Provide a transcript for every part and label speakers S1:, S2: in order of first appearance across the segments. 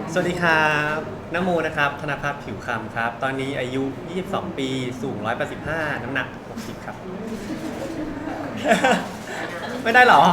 S1: สวัสดีครับนโมนะครับธนภัทรผิวคำครับ ตอนนี้อายุ 22 ปี สูง 185 น้ำหนัก 60 ครับ ไม่ได้เหรอ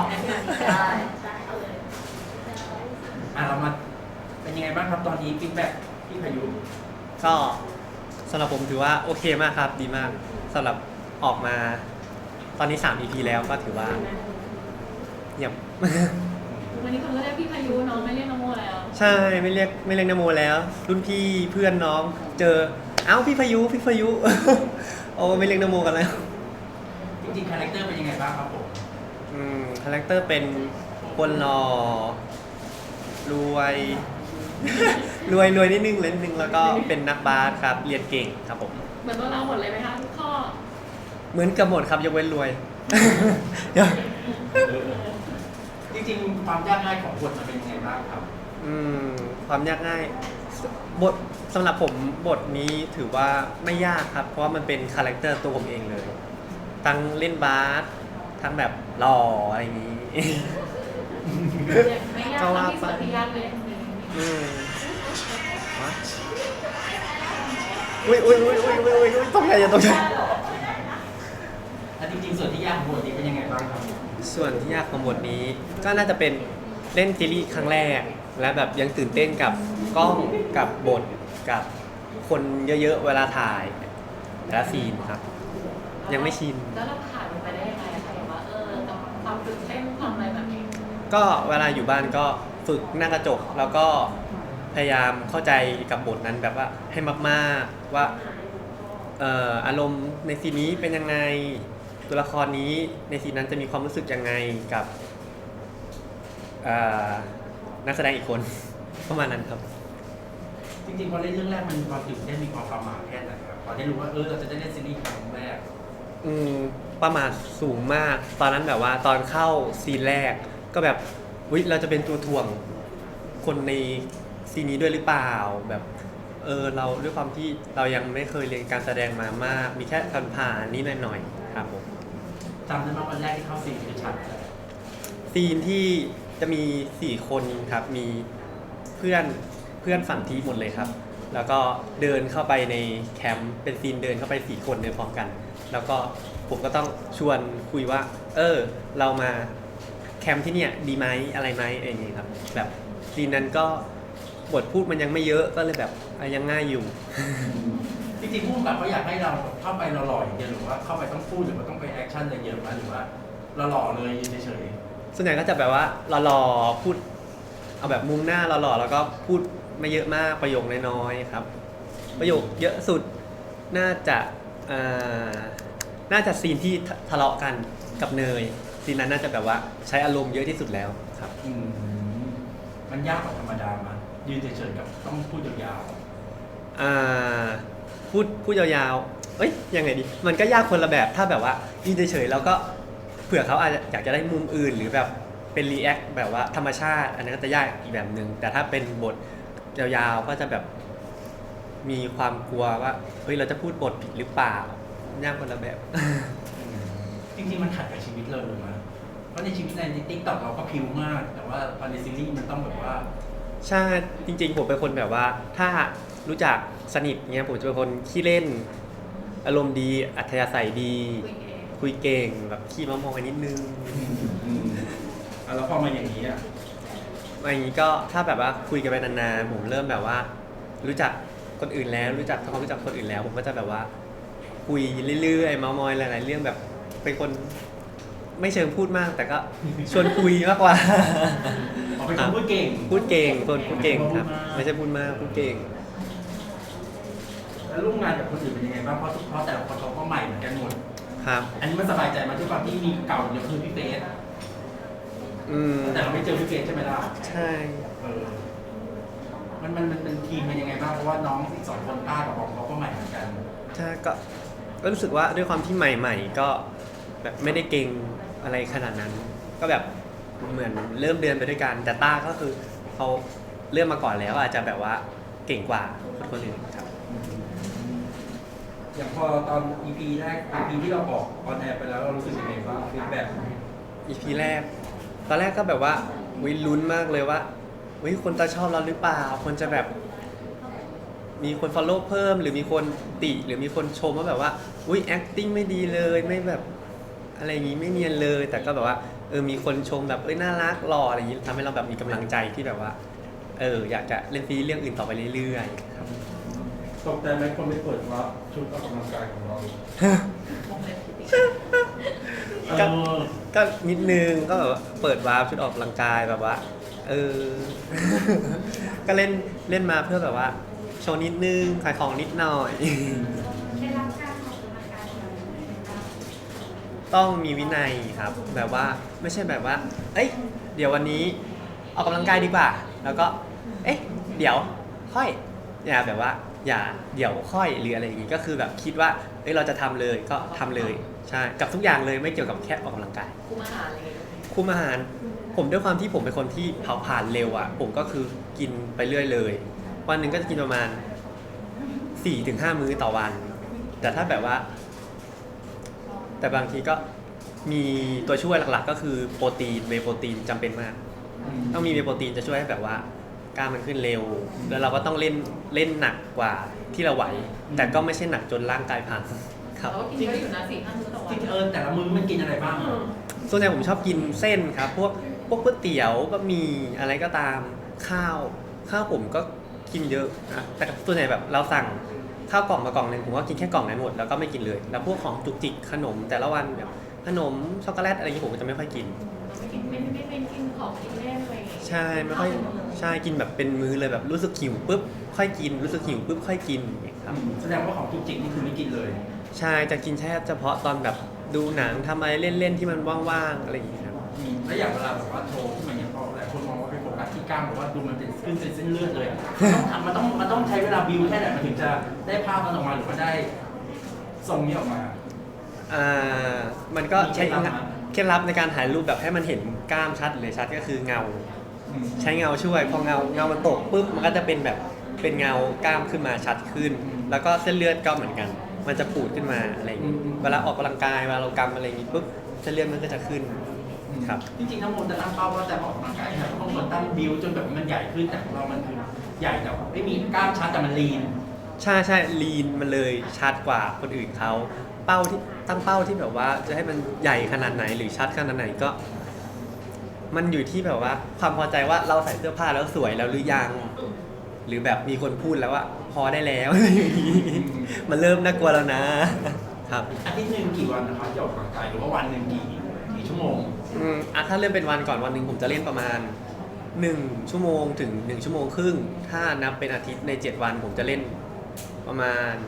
S2: เรามาเป็นยังไงบ้างครับตอนนี้ฟีดแบ็กพี่พายุ
S1: ก็สำหรับผมถือว่าโอเคมากครับ ดีมากสำหรับออกมาตอนนี้ 3 EP แล้วก็ถือว่าเยี่ยม
S3: วันนี้คนก็เรียกพี่พายุน้องไม่เรียกน้องโมแล้ว
S1: ใช่ไม่เรียกนโมแล้ว รุ่นพี่เพื่อนน้องเจอเอ้าพี่พายุ โอ้ไม่เรียกนโมกันแล้ว
S2: จริงๆคาแรคเตอร์เป็นยังไงบ้างครับผม
S1: คาแรคเตอร์เป็นคนหล่อรวย รวยนิดนึงเลยนิดนึงแล้วก็เป็นนักบาสครับเรียนเก่งครับผม
S3: เหมือนตัวเราหมดเลยไหมคะทุกข้อ
S1: เหมือนกับหมดครับยกเว้นรวย
S2: จริงๆความยากง่ายของบทมันเป็นยังไงบ้างครับ
S1: อืมความยากง่ายบทสำหรับผมบทนี้ถือว่าไม่ยากครับ เพราะว่ามันเป็นคาแรคเตอร์ตัวผมเองเลยทั้งเล่นบาสทั้งแบบหล่ออะไรอย่างนี้
S3: ไม่ยาก
S1: ก็ว่า
S3: ที่สุดที่ยากเลย
S1: อืมวะอุ้ยตกใจอย่าตกใจ
S2: แล้วจริงๆส่วนที่ยากของบทนี้เป็นยังไงบ้างครับ
S1: ส่วนที่ยากของบทนี้ก็น่าจะเป็นเล่นซีรีส์ครั้งแรก และแบบยังตื่นเต้นกับกล้องกับบทกับคนเยอะๆเวลาถ่ายแต่ละซีนครับ ยังไม่ชิน
S3: แล้วเราผ่านมันไปได้ยังไงอะคะแบบว่ากับความตื่นเต้นความอะไรแบบนี้
S1: ก็เวลาอยู่บ้านก็ฝึกหน้ากระจกแล้วก็พยายามเข้าใจกับบทนั้นแบบว่าให้มากๆว่าอารมณ์ในซีนนี้เป็นยังไงตัวละครนี้ในซีนนั้นจะมีความรู้สึกยังไงกับเอ่อนักแสดงอีกคน ประมาณนั้นครับ
S2: จริงๆพอเล่นเรื่องแรกมันความตื่นเต้นมีความประหม่าแค่ไหนครับพอได้รู้ว่าเราจะได้เล่นซีรีส์ครั้งแรก
S1: อืมประมาทสูงมาก ตอนนั้นแบบว่าตอนเข้าซีนแรกก็แบบวิเราจะเป็นตัวถ่วงคนในซีนนี้ด้วยหรือเปล่าแบบเราด้วยความที่เรายังไม่เคยเรียนการแสดงมามาก มีแค่การผ่านนิดหน่อยๆครับผม
S2: จำได้ไหมวันแรกที่เข้าซีนคือฉากอะไร
S1: ซีนที่จะมี4คนครับมีเพื่อนฝั่งทีมหมดเลยครับ แล้วก็เดินเข้าไปในแคมป์เป็นซีนเดินเข้าไป4คนเดินพร้อมกัน แล้วก็ผมก็ต้องชวนคุยว่าเรามาแคมป์ที่เนี่ยดีไหมอะไรไหมอะไรอย่างงี้ครับแบบซีนนั้นก็บทพูดมันยังไม่เยอะก็เลยแบบยังง่ายอยู่
S2: จริงๆผู้กำกับเขาอยากให้เราเข้าไปหล่อๆอย่างเดียวหรือว่าเข้าไปต้องพูดหรือว่าต้องไปแอคชั่นอะไรเยอะไหมหรือว่าเราหล่อเลยยืนเฉย
S1: ส่วนใหญ่ก็จะแบบว่าหล่อๆพูดเอาแบบมุมหน้าหล่อๆแล้วก็พูดไม่เยอะมากประโยคน้อยๆครับ ประโยคเยอะสุดน่าจะอ่าน่าจะซีนที่ทะเลาะกันกับเนยซีนนั้นน่าจะแบบว่าใช้อารมณ์เยอะที่สุดแล้วครับ
S2: ๆมันยากกว่าธรรมดามายืนเฉยๆกับต้องพูดยาว
S1: อ่าพูดยาวๆยังไงดีมันก็ยากคนละแบบถ้าแบบว่ายืนเฉยๆแล้วก็เผื่อเขาอาจจะอยากจะได้มุมอื่นหรือแบบเป็นรีแอคแบบว่าธรรมชาติอันนั้นก็จะยากอีกแบบหนึ่งแต่ถ้าเป็นบทยาวๆก็จะแบบมีความกลัวว่าเราจะพูดบทผิดหรือเปล่ายากคนละแบบ
S2: ๆจริงๆมันขัดกับชีวิตเราเลยมั้ยเพราะในชีวิตในติ๊กต็อกเราก็พิวมาก แต่ว่าพอในซีรีส์มันต้องแบบว่า
S1: ใช่จริงๆผมเป็นคนแบบว่าถ้ารู้จักสนิทเงี้ยผมจะเป็นคนขี้เล่นอารมณ์ดีอัธยาศัยดี
S3: คุยเอง
S1: คุยเก่งแบบขี้มามองกันนิดนึง
S2: แล้วพอมาอย่างนี้อ่ะ
S1: อย่างนี้ก็ถ้าแบบว่าคุยกันไปนานๆผมเริ่มแบบว่า รู้จักคนอื่นแล้วรู้จักทำความรู้จักคนอื่นแล้ว ผมก็จะแบบว่า คุยเรื่อยๆเมามอยหลายๆเรื่องแบบเป็นคนไม่เชิงพูดมาก แต่ก็ชวนคุยมากกว่า
S2: เป็นคนพูดเก่ง
S1: พูดเก่งคนพูดเก่งครับ ไม่ใช่พูดมากพูดเก่ง
S2: แล้วร่วมงานกับคนอื่นเป็นยังไงบ้างเพราะแต่ละคนเขาก็ใหม่เหมือนกันหมด
S1: ครับ
S2: อันนี้มันสบายใจมาด้วยความที่มีเก่าอย่างคือพี่เฟส แต่เราไม่เจอพี่เฟสใช่ไหมล่ะ
S1: ใช่
S2: มันเป็นทีมเป็นยังไงบ้างเพราะว่าน้องอีก2 คนต้ากับบอมเขาก็ใหม่เหมือนกัน
S1: ใช่ก็รู้สึกว่าด้วยความที่ใหม่ๆก็แบบไม่ได้เก่งอะไรขนาดนั้น ก็แบบเหมือนเริ่มเดินไปด้วยกันแต่ต้าก็คือเขาเริ่มมาก่อนแล้วอาจจะแบบว่าเก่งกว่าคนอื่นครับ
S2: อย่างพอตอน EP แรก EP ที่เราออกออนแอร์ไปแล้วเรารู้สึกยังไงบ้างฟีดแบ็ก
S1: EP แรกตอนแรกก็แบบว่าวิลุ้นมากเลยว่าคนจะชอบเราหรือเปล่าคนจะแบบมีคน follow เพิ่มหรือมีคนติหรือมีคนชมว่าแบบว่าacting ไม่ดีเลยไม่แบบอะไรอย่างงี้ไม่เนียนเลย แต่ก็แบบว่ามีคนชมแบบน่ารักหล่ออะไรอย่างงี้ทำให้เราแบบมีกำลังใจที่แบบว่าอยากจะเล่นซีรีส์เรื่องอื่นต่อไปเรื่อยๆครับ
S4: ตกใจไหมคนไม่เปิดว่าชุดออกกำลังกายของเรา
S3: วงเล็บพิติ
S1: ก็ก็นิดนึงก็แบบว่าเปิดวาร์ปชุดออกกำลังกายแบบว่า ก็เล่นมาเพื่อแบบว่าโชว์นิดนึงขายของนิดหน่อย
S5: ได้รับการออกกำลังกายของเราไหมคะ
S1: ต้องมีวินัยครับแบบว่าไม่ใช่แบบว่าเดี๋ยววันนี้ออกกำลังกายดีกว่า แล้วก็เดี๋ยวค่อยอย่าแบบว่าอย่าเดี๋ยวค่อยหรืออะไรอย่างงี้ก็คือแบบคิดว่าเราจะทำเลยก็ทำเลยใช่กับทุกอย่างเลยไม่เกี่ยวกับแค่ออกกำลังกาย
S3: คุมอาหารอะไรอย่างเงี้ย
S1: คุมอาหารผมด้วยความที่ผมเป็นคนที่เผาผลาญเร็วอ่ะผมก็คือกินไปเรื่อยเลยวันหนึ่งก็จะกินประมาณ 4-5 มื้อต่อวัน แต่ถ้าแบบว่า แต่บางทีก็มีตัวช่วยหลักๆ ก็คือโปรตีนเวย์โปรตีนจำเป็นมาก ต้องมีเวย์โปรตีนจะช่วยให้แบบว่ากล้ามมันขึ้นเร็ว แล้วเราก็ต้องเล่นหนักกว่าที่เราไหว แต่ก็ไม่ใช่หนักจนร่างกายพังครับ
S3: เราก็กินเยอะอยู่นะ4-5 มื้อต่อวั
S2: จ
S3: น
S2: ริงแต่ละมื้อมันกินอะไรบ้างอะ
S1: ส่วนใหญ่ผมชอบกินเส้นครับพวกก๋วยเตี๋ยวบะหมี่อะไรก็ตามข้าวผมก็กินเยอะนะแต่ส่วนใหญ่แบบเราสั่งข้าวกล่องมากล่องหนึ่งผมก็กินแค่กล่องนั้นหมดแล้วก็ไม่กินเลย แล้วพวกของจุกจิกขนมแต่ละวันแบบขนมช็อกโกแลตอะไรอย่างนี้ผมก็จะไม่ค่อยกิน
S3: เราไม่กินไม่กินของกินเล่นอะไรอย่างเงี้ย
S1: ใช่ไม่ค่อยใช่กินแบบเป็นมื้อเลยแบบรู้สึกหิวปุ๊บค่อยกินรู้สึกหิวปุ๊บค่อยกินอย่างเงี้ยครับ
S2: แสดงว่าของจุกจิกนี่คือไม่กินเลย
S1: ใช่จะกินแค่เฉพาะตอนแบบดูหนังทำอะไรเล่นๆที่มันว่างๆอะไรอย่างเงี้ยครับ
S2: แล้วอย่างเวลาแบบว่าโชว์ที่มันยังพอหลายคนมองว่าเป็นโฟกัสที่กล้ามบอกว่าดูมันเป็นขึ้นเป็นเส้นเลือดเลยต้องทำมันต้องใช้เวลาบิวแค่ไหนมันถึงจะได้ภาพมันออกมาหรือว่าได้ทรงนี้ออกมา
S1: มันก็ใช้
S2: มีเคล็ดลับไหม
S1: เคล็ดลับในการถ่ายรูปแบบให้มันเห็นกล้ามชัดเลยชัดก็คือเงา ใช้เงาช่วยพอเงามันตกปุ๊บมันก็จะเป็นแบบเป็นเงากล้ามขึ้นมาชัดขึ้น แล้วก็เส้นเลือดก็เหมือนกัน มันจะปูดขึ้นมาอะไรอย่างนี้เวลาออกกำลังกายเวลาเรากำอะไรอย่างนี้ปุ๊บเส้นเลือดมันก็จะขึ้นครับ
S2: จริงๆทั้งหมดจะตั้งเป้าว่าแต่ออกกำลังกายนะบางคนตั้งบิวจนแบบมันใหญ่ขึ้นแต่ของเรามันคือใหญ่แต่ไม่มีกล้ามชัดแต่มันลีน
S1: ใช่ลีนมันเลยชัดกว่าคนอื่นเขาเป้าที่ตั้งเป้าที่แบบว่าจะให้มันใหญ่ขนาดไหนหรือชัดขนาดไหนก็ มันอยู่ที่แบบว่าความพอใจว่าเราใส่เสื้อผ้าแล้วสวยแล้วหรือยัง หรือแบบมีคนพูดแล้วว่าพอได้แล้ว อะไรอย่างนี้มันเริ่มน่ากลัวแล้วนะครับ
S2: อาทิตย์หนึ่งกี่วันนะครับที่ออกกำลังกายหรือว่าวันหนึ่งกี่ชั่วโมง
S1: ถ้าเริ่มเป็นวันก่อนวันหนึ่งผมจะเล่นประมาณ1 ชั่วโมงถึง1 ชั่วโมงครึ่งถ้านับเป็นอาทิตย์ใน7 วันผมจะเล่นประมาณ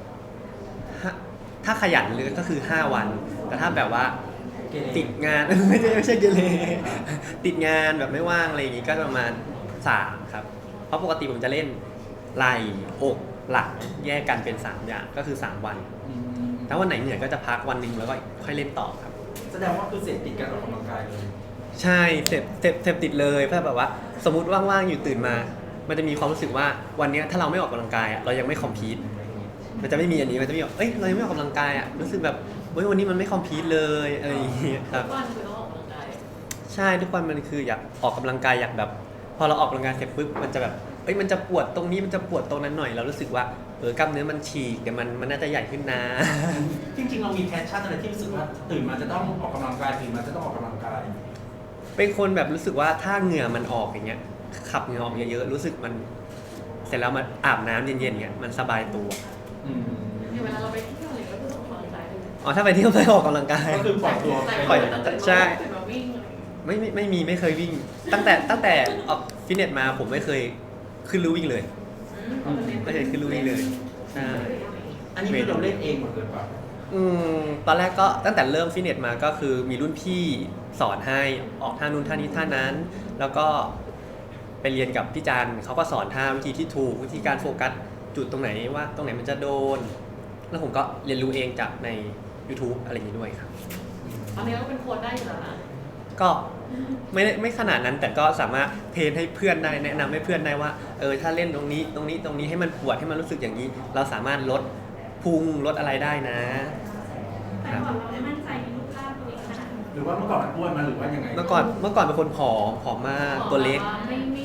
S1: ถ้าขยันเลยก็คือ5 วัน แต่ถ้าแบบว่าติดงาน ไม่ใช่เกเรติดงานแบบไม่ว่างอะไรอย่างงี้ก็ประมาณ3ครับเพราะปกติผมจะเล่นไหล่อกหลังแยกกันเป็น3อย่างก็คือ 3 วันถ้าวันไหนเหนื่อยก็จะพักวันหนึ่งแล้วก็ค่อยเล่นต่อครับ
S2: แสดงว่าคือเสพติดการออกกำลังกายเลย
S1: ใช่เสพติดเลยเพราะแบบว่าสมมุติว่างๆอยู่ตื่นมา มันจะมีความรู้สึกว่าวันเนี้ยถ้าเราไม่ออกกำลังกายอ่ะเรายังไม่คอมพีทมันจะไม่มีอันนี้มันจะมีแบบเรายังไม่ออกกำลังกายอ่ะรู้สึกแบบวันนี้มันไม่คอมพีทเลยอะไรอย่างเงี้ยครับ
S3: ทุกวันคือต้องออกกำลังกาย
S1: ใช่ทุกวันมันคืออยากออกกำลังกายอยากแบบ พอเราออกกำลังกายเสร็จปุ๊บมันจะแบบมันจะปวดตรงนี้มันจะปวดตรงนั้นหน่อยเรารู้สึกว่ากล้ามเนื้อมันฉีกเดี๋ยวมันน่าจะใหญ่ขึ้นนะ
S2: จริงๆเรามีแพชชั่นอะไรที่รู้สึกว่าตื่นมาจะต้องออกกำลังกายตื่นมาจะต้องออกกำลังกาย
S1: เป็นคนแบบรู้สึกว่าถ้าเหงื่อมันออกอย่างเงี้ยขับเหงื่อออกเยอะๆรู้สึกมันเสร็จแล้วมาอาบน้ำเย็นๆเงี้ยมันสบายตัว
S3: อย่างเวลาเราไปเที่ยวอะไรก็คือต้องออกกำลังกายด้วย
S1: อ๋อถ้าไปเที่ยวไปออกกำลังกาย
S2: ก็คือปล่อยตัว
S1: ปล่อย ใช่
S3: ตื่นมาวิ่งอะไรอย่างเงี้ย
S1: ไม่เคยวิ่ง ตั้งแต่ออกฟิตเนสมาผมไม่เคยขึ้นลู่วิ่งเลยไม่เคยขึ้นลู่วิ่งเลยใช่
S2: อันนี้คือเราเล่นเองหมดเลยป่ะ
S1: ตอนแรกก็ตั้งแต่เริ่มฟิตเนสมาก็คือมีรุ่นพี่สอนให้ออกท่านู้นท่านี้ท่านั้น แล้วก็ไปเรียนกับพี่จันเขาก็สอนท่าวิธีที่ถูกวิธีการโฟกัสจุดตรงไหนว่าตรงไหนมันจะโดน แล้วผมก็เรียนรู้เองจากใน YouTube อะไรอย่างนี้ด้วยครับ
S3: ตอนนี้ก็เป็นโค้ชได้อยู่แล้วนะ
S1: ก็ไม่ขนาดนั้นแต่ก็สามารถเทรนให้เพื่อนได้แนะนำให้เพื่อนได้ว่าถ้าเล่นตรงนี้ให้มันปวดให้มันรู้สึกอย่างนี้ เราสามารถลดพุงลดอะไรได้นะ
S5: แต่ก่อนเราไม่มั่นใจในรูปร่างตัวเองขนาดนั้น
S2: หรือว่าเมื่อก่อนมันอ้วนมาหรือว่ายังไง
S1: เมื่อก่อนเป็นคนผอมมากตัวเล็ก
S3: ไม่มีกล้ามเนื้อ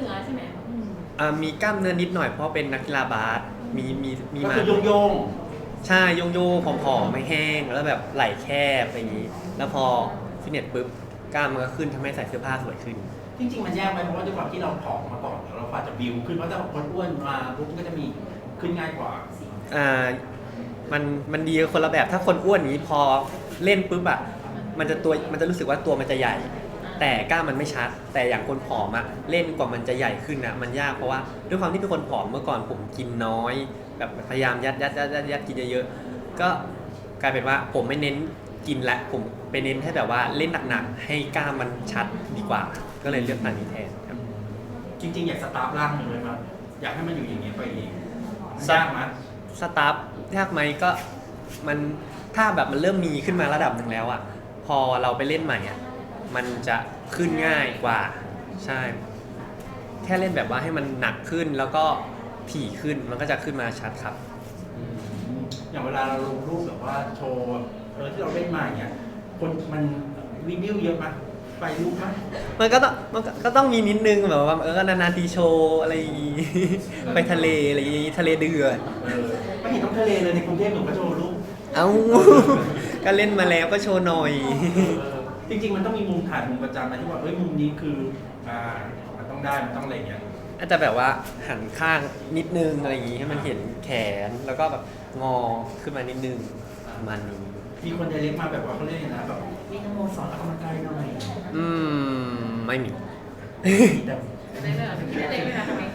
S3: นื้อใช่ไหม
S1: มีกล้ามเนื้อนิดหน่อยเพราะเป็นนักกีฬาบาสมี
S2: ก็
S1: มา
S2: คือโยง
S1: ใช่โยงโยผอมๆไม่แห้งแล้วแบบไหล่แคบอะไรอย่างนี้ แล้วพอฟิตเนสปุ๊บกล้ามมันก็ขึ้นทำให้ใส่เสื้อผ้าสวยขึ้น
S2: ๆจริงๆมันแยกไปเพราะว่าด้วยความที่เราผอมมาก่อนเราอาจจะบิวขึ้นเพราะถ้าคนอ้วนมาปุ๊บมันก็จะมีขึ้นง่ายกว่า
S1: มันดีคนละแบบถ้าคนอ้วนอย่างนี้พอเล่นปุ๊บอะมันจะรู้สึกว่าตัวมันจะใหญ่ แต่กล้ามมันไม่ชัด แต่อย่างคนผอมอะเล่นกว่ามันจะใหญ่ขึ้นนะมันยากเพราะว่าด้วยความที่เป็นคนผอมเมื่อก่อนผมกินน้อย แบบพยายามยัดกินเยอะๆก็กลายเป็นว่าผมไม่เน้นกินละผมไปเน้นให้แบบว่าเล่นหนักๆให้กล้ามมันชัดดีกว่า ก็เลยเลือกทางนี้แทนครับ
S2: จริงๆอยากสตาร์ฟร่างหนึ่งเลยมั้ยอยากให้มันอยู่อย่างนี้ไปอีกยากมั้ย
S1: สตาร์ทยากไหมก็มันถ้าแบบมันเริ่มมีขึ้นมาระดับหนึ่งแล้วอ่ะพอเราไปเล่นใหม่อ่ะมันจะขึ้นง่ายกว่าใช่ แค่เล่นแบบว่าให้มันหนักขึ้นแล้วก็ถี่ขึ้นมันก็จะขึ้นมาชัดครับ
S2: อย่างเวลาเราลงรูปแบบว่าโชว์ที่เราเล่นมาอย่างเงี้ยคนมันรีวิวเยอะมั้ยไปรูปมั้ย
S1: มันก็ต้องมีนิดนึงแบบว่านานๆทีโชว์อะไรอย่างงี้ ไปทะเลอะไรอย่างงี้ทะเลเดือด
S2: ไม่เห็นต้องทะเลเลยในกรุงเทพหนูก็โชว์รูป
S1: เอ้า ก็เล่นมาแล้วก็โชว์หน่อย
S2: จริงๆมันต้องมีมุมถ่ายมุมประจำนะที่ว่ามุมนี้คือมันต้องได้มันต้องอะไรเงี้ย
S1: อาจจะแบบว่าหันข้างนิดนึงอะไรอย่างงี้ให้มันเห็นแขนแล้วก็แบบงอขึ้นมานิดนึงประมาณนี้
S2: มีคนไดเรกมาแบบว่าเขาเรียกนะแบบพี่นโมสอนออกกำลังกายหน่อย
S1: ไม่มี
S2: แต่
S3: ได้เลยได้เลยนะทำไม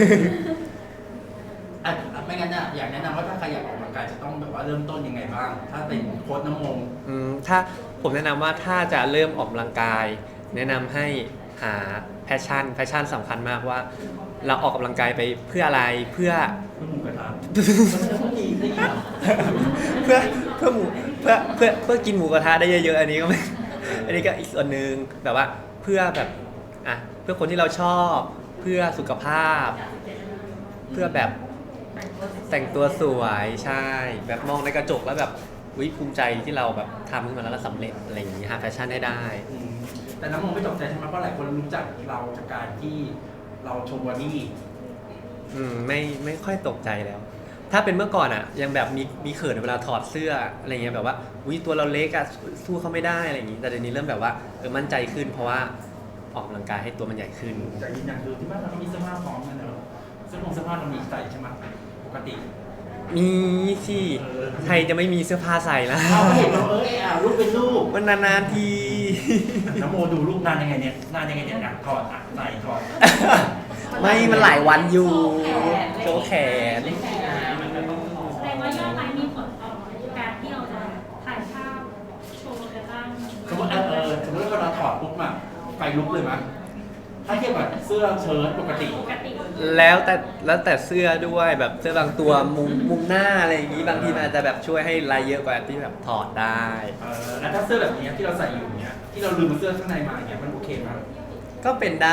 S2: ไม่งั้นอ่ะอยากแนะนำว่าถ้าใครอยากออกกำลังกายจะต้องแบบว่าเริ่มต้นยังไงบ้าง ถ้าเป็นโค้ชน้ำมง
S1: ถ้าผมแนะนำว่าถ้าจะเริ่มออกกำลังกาย แนะนำให้หาแพชชั่นสำคัญมากว่า เราออกกำลังกายไปเพื่ออะไรเพื่อ
S2: หมูกระทะมันดีได้ยิน
S1: เพื่อกินหมูกระทะได้เยอะๆอันนี้ก็ไม่ อันนี้ก็อีกส่วนหนึ่งแบบว่าเพื่อแบบเพื่อคนที่เราชอบเพื่อสุขภาพ เพื่อแบบแต่งตัวสวยใช่ แบบมองในกระจกแล้วแบบภูมิใจที่เราแบบทำขึ้นมาแล้วเราสำเร็จอะไรอย่างนี้หาแฟชั่นให้ได้
S2: แต่น้ำมงไม่ตกใจใช่ไหมเพราะหลายคนรู้จักเราจากการที่เราโชว์บอดี้
S1: ไม่ค่อยตกใจแล้ว ถ้าเป็นเมื่อก่อนอ่ะยังแบบมีเขินเวลาถอดเสื้ออะไรเงี้ยแบบว่าตัวเราเล็กอ่ะสู้เขาไม่ได้อะไรอย่างงี้แต่เดี๋ยวนี้เริ่มแบบว่ามั่นใจขึ้นเพราะว่าออกกำลังกายให้ตัวมันใหญ่ขึ้น
S2: แต่ยืนยันคือที่บ้านเราก็มีเสื้อผ้าพร้อมกันเนอะเสื้อผ้าเรามีใส่ใช่ไหมปกติ
S1: มีสิใครจะไม่มีเสื้อผ้าใส่ล่ะ
S2: เอาเห็นเรารูปเป็นรูป
S1: มันนานๆที
S2: น้ำโมดูรูปนานยังไงเนี่ยถอดใส่ถอด
S1: ไม่มันหลายวันอยู่โชว์แขน
S5: แสดงว่ายอดไลค์มีผลต่อการที่เราจะถ่ายภาพโชว์กันบ้าง
S2: สมมติสมมติว่าเราถอดปุ๊บอะไฟลุกเลยมั้ยถ้าเทียบกับเสื้อเชิ้ตปกติ
S1: แล้วแต่เสื้อด้วยแบบเสื้อบางตัวมุมหน้าอะไรอย่างงี้บางทีมันอาจจะแบบช่วยให้ลายเยอะกว่าที่แบบถอดได้
S2: แล้วถ้าเสื้อแบบนี้ที่เราใส่อยู่เนี้ยที่เราลืมเสื้อข้างในมาเนี้ยมันโอเคมั้ย
S1: ก็เป็นได้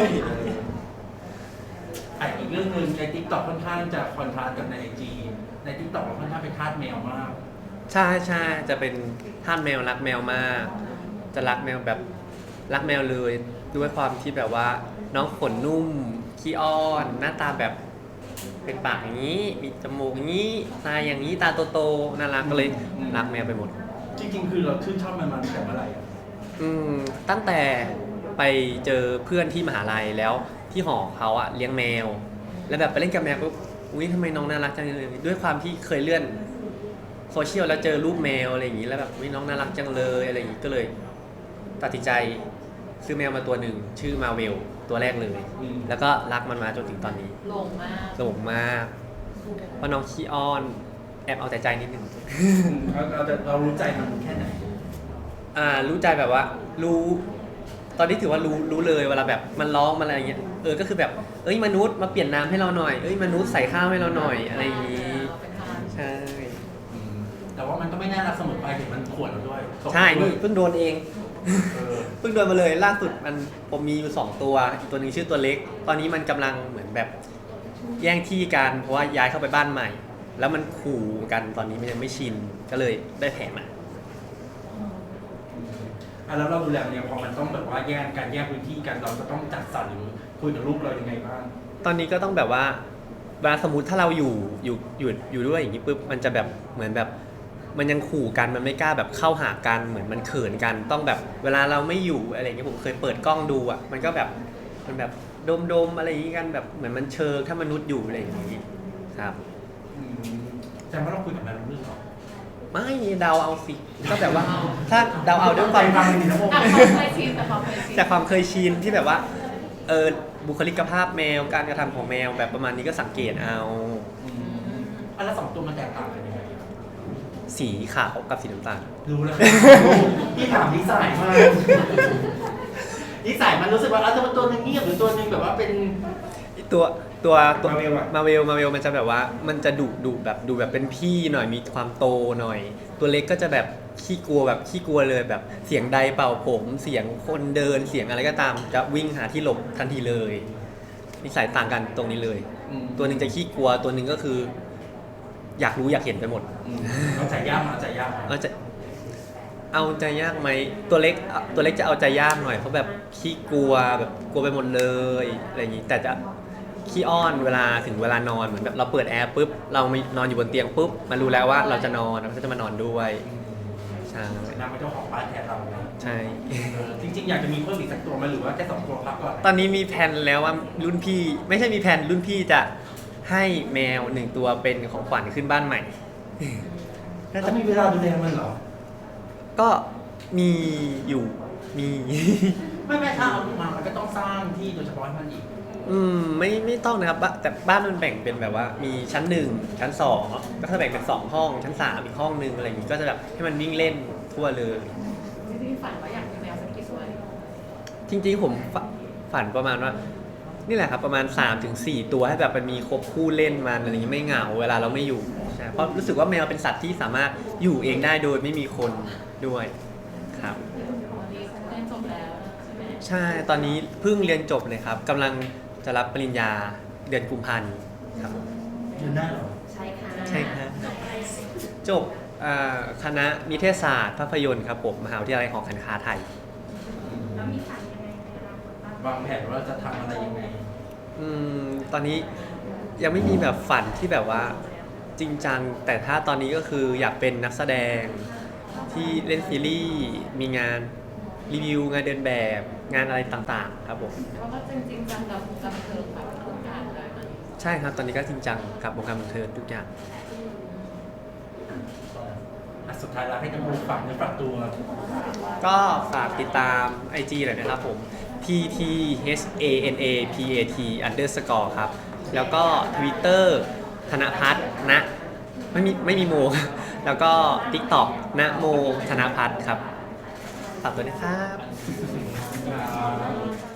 S2: อีกเรื่องหนึ่งใน TikTok ค่อนข้างจะคอนทราสต์กับใน IG ใน TikTok ค่อนข้างเป็นทาสแมวมาก
S1: ใช่จะเป็นทาสแมวรักแมวมาก จะรักแมวแบบรักแมวเลยด้วยความที่แบบว่าน้องขนนุ่มขี้อ้อนหน้าตาแบบเป็นปากอย่างนี้มีจมูกอย่างนี้ตาอย่างนี้ตาโตๆน่ารักก็เลยรักแมวไปหมด
S2: จริงๆคือเราชื่นชอบมันมาตั้งแต่เมื่อไหร่อะ
S1: ตั้งแต่ไปเจอเพื่อนที่มหาลัยแล้วที่หอเขาอะเลี้ยงแมว แล้วแบบไปเล่นกับแมวปุ๊บทำไมน้องน่ารักจังเลยด้วยความที่เคยเลื่อนโซเชียลแล้วเจอรูปแมวอะไรอย่างนี้แล้วแบบน้องน่ารักจังเลยอะไรอย่างนี้ก็เลยตัดสินใจซื้อแมวมาตัวหนึ่งชื่อมาเวลตัวแรกเลย แล้วก็รักมันมาจนถึงตอนนี้
S3: ลงมาก
S1: สนุกมากเพราะน้องขี้อ้อนแอบเอาแต่ใจนิดนึง
S2: เรารู้ใจมันแค่ไหน
S1: รู้ใจแบบว่ารู้ตอนนี้ถือว่ารู้เลยเวลาแบบมันร้องมันอะไรอย่างเงี้ยก็คือแบบมนุษย์มาเปลี่ยนน้ำให้เราหน่อยมนุษย์ใส่ข้าวให้เราหน่อยอะไรอย่างงี้
S3: เป็นทาง
S1: ใช่
S2: แต่ว่ามันก็ไม่น่ารักเสมอไปเดี๋ยวมันขวนเราด้วย
S1: ใช่นี่เพิ่งโดนเอง
S2: เออ
S1: เพิ่งโดนมาเลยล่าสุดผมมีอยู่2ตัวอีกตัวหนึงชื่อตัวเล็ก ตอนนี้มันกำลังเหมือนแบบแย่งที่กันเพราะว่าย้ายเข้าไปบ้านใหม่ แล้วมันขู่กันตอนนี้มันยังไม่ชินก็เลยได้แผลมา
S2: แล้วเราดูแลเนี่ยพอมันต้องแบบว่าแยกพื้นที่กันเราจะต้องจัดสรรหรือคุยกับลูกเรายังไงบ้าง
S1: ตอนนี้ก็ต้องแบบว่าเวลาสมมติถ้าเราอยู่ด้วยอย่างนี้ปุ๊บมันจะแบบเหมือนแบบมันยังขู่กันมันไม่กล้าแบบเข้าหากันเหมือนมันเขินกันต้องแบบเวลาเราไม่อยู่อะไรอย่างเงี้ยผมเคยเปิดกล้องดูอ่ะมันก็แบบมันแบบดมอะไรอย่างงี้กันแบบเหมือนมันเชิงถ้ามนุษย์อยู่อะไรอย่างงี้ครับ
S2: แสดงว่าเราคุยกับแม่รู้เรื่องหรอ
S1: ไม่เดาเอาสิก็แบบว่าถ้าเดาเอาด้วยความ
S2: ฟังดีนะผม
S3: อ่ะความเคยชินแต่ความเคยชิน
S1: จากความเคยชินที่แบบว่าบุคลิกภาพแมวการกระทำของแมวแบบประมาณนี้ก็สังเกตเอา
S2: แล้ว2 ตัวมันแตกต่างกันยังไง
S1: สีขาวกับสีน้ำตาล
S2: รู้แล้วพี่ถามนิสัยมากนิสัยมันรู้สึกว่าตัวนึงเงียบหรือตัวนึงแบบว่าเป็น
S1: ตัวมาเวลมันจะแบบว่ามันจะดุแบบดูแบบเป็นพี่หน่อยมีความโตหน่อย ตัวเล็กก็จะแบบขี้กลัวเลยแบบเสียงใดเป่าผมเสียงคนเดินเสียงอะไรก็ตามจะวิ่งหาที่หลบทันทีเลยนิสัยต่างกันตรงนี้เลย ตัวหนึ่งจะขี้กลัวตัวหนึ่งก็คือ อยากรู้อยากเห็นไปหมด
S2: เอาใจยากมาใจยาก
S1: เอาใจยากไหมตัวเล็กจะเอาใจยากหน่อยเพราะแบบขี้กลัวแบบกลัวไปหมดเลยอะไรอย่างนี้แต่จะขี้อ้อนเวลาถึงเวลานอนเหมือนแบบเราเปิดแอร์ปุ๊บเราไม่นอนอยู่บนเตียงปุ๊บมันรู้แล้วว่าเราจะนอนมันก็จะมานอนด้วยใช่
S2: นางเป็นเจ้าของบ้านแทนเรา
S1: ใช่
S2: จริงๆอยากจะมีเพิ่มอีกสักตัวไหมหรือว่าแค่2 ตัวพักก่อน
S1: ตอนนี้มีแผนแล้วว่ารุ่นพี่ไม่ใช่มีแผนรุ่นพี่จะให้แมว1 ตัวเป็นของขวัญขึ้นบ้านใหม่
S2: แล้วจะมีเวลาดูแลมันเหรอ
S1: ก็มีอยู่มี
S2: ไม่ถ้าเอามามันก็ต้องสร้างที่โดยเฉพาะให้มันอีก
S1: ไม่ต้องนะครับแต่บ้านมันแบ่งเป็นแบบว่ามีชั้น1ชั้น2ก็จะแบ่งเป็น2 ห้องชั้น3อีกห้องนึงอะไรอย่างงี้ก็จะแบบให้มันวิ่งเล่นทั่วเลย
S3: จริงๆฝันว่าอยากมีแมวสักกี่ตัว
S1: จริงๆผมฝันประมาณว่านี่แหละครับประมาณ 3-4 ตัวให้แบบมันมีครบคู่เล่นมันอะไรอย่างงี้ไม่เหงาเวลาเราไม่อยู่ใช่เพราะรู้สึกว่าแมวเป็นสัตว์ที่สามารถอยู่เองได้โดยไม่มีคนด้วยครับ
S3: วันนี้เรียนจบแล้วใช่ไหม
S1: ใช่ตอนนี้เพิ่งเรียนจบเลยครับกำลังจะรับปริญญาเดือนกุมภาพันธ์ครับ
S2: ยืนได้เหรอ
S3: ใช่ค่ะ
S1: ใช่ครับจบคณะนิเทศศาสตร์ภาพยนตร์ครับผมมหาวิทยาลัยหอการค้าไทย
S5: แล้วมีฝันยังไงในอนาคตบ้าง
S2: วางแผนว่าจะทำอะไรยังไง
S1: ตอนนี้ยังไม่มีแบบฝันที่แบบว่าจริงจังแต่ถ้าตอนนี้ก็คืออยากเป็นนักแสดงที่เล่นซีรีส์มีงานรีวิวงานเดินแบบงานอะไรต่างๆครับผม
S3: เพราะว่าจริงๆจังกับบันเทิงแบบทุกอย่างเลยนะ
S1: ใช่ครับตอนนี้ก็จริงจังกับวงการบันเทิงทุกอย่าง
S2: สุดท้ายแล้วให้น้ำมูกฝากเนื้อฝากตัว
S1: ก็ฝากติดตาม IG หน่อยนะครับผม TTHANAPAT_ ครับ แล้วก็ Twitter ธนพัฒน์นะไม่มีโม แล้วก็ TikTok นะโมธนพัฒน์ครับฝากด้วยนะครับ
S2: ครับ